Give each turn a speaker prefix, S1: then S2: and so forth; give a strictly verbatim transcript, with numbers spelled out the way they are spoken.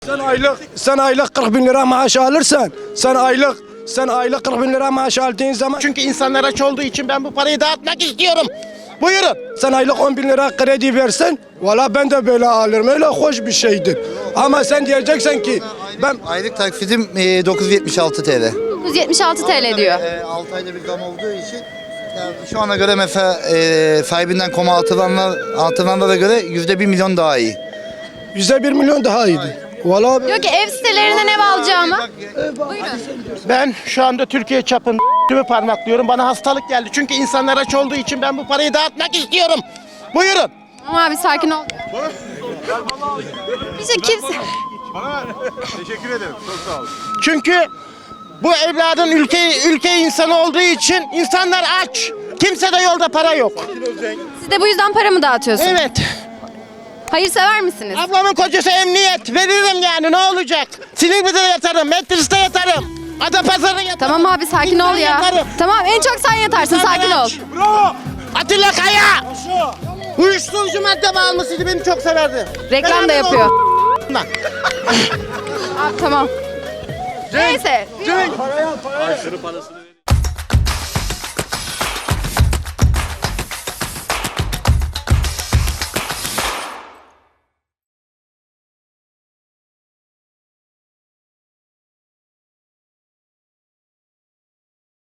S1: Sen aylık sen aylık kırk bin lira maaş alırsan, sen aylık sen aylık kırk bin lira maaş aldığın zaman,
S2: Çünkü insanlar aç olduğu için ben bu parayı dağıtmak istiyorum. Buyurun.
S1: sen aylık on bin lira kredi versen, valla ben de böyle alırım. Öyle hoş bir şeydir. Ama sen diyeceksen ki ben
S3: Aylık taksitim e, dokuz yüz yetmiş altı T L.
S4: dokuz yüz yetmiş altı T L diyor.
S3: E, altı ayda bir zam olduğu için yani şu ana göre mesela e, sahibinden koma atılanlar, atılanlara göre yüzde bir milyon daha iyi.
S1: yüzde bir milyon daha iyiydi. Valla
S4: Diyor ki ev sitelerinden ev alacağımı.
S2: Ben şu anda Türkiye çapında parmaklıyorum. Bana hastalık geldi. Çünkü insanlar aç olduğu için ben bu parayı dağıtmak istiyorum. Buyurun.
S4: Ama abi sakin ol. Bir şey kimse...
S5: Teşekkür ederim. Çok sağ olun.
S2: Çünkü bu evladın ülke ülke insanı olduğu için insanlar aç. Kimse de yolda para yok.
S4: Siz de bu yüzden para mı dağıtıyorsunuz?
S2: Evet.
S4: Hayırsever misiniz?
S2: Ablamın kocası emniyet. Veririm yani, ne olacak? Silivri'de yatarım, Metris'te yatarım. Adapazarı'da yatarım.
S4: Tamam abi sakin ol ya.
S2: Yatarım.
S4: Tamam en çok sen yatarsın sakin ol.
S2: Bravo. Atilla Kaya. Uyuşturucu madde bağımlısıydı, beni çok severdi.
S4: Reklam da
S2: Ben
S4: yapıyor.
S2: onun
S4: Abi tamam. Neyse.
S5: Aşırı parasını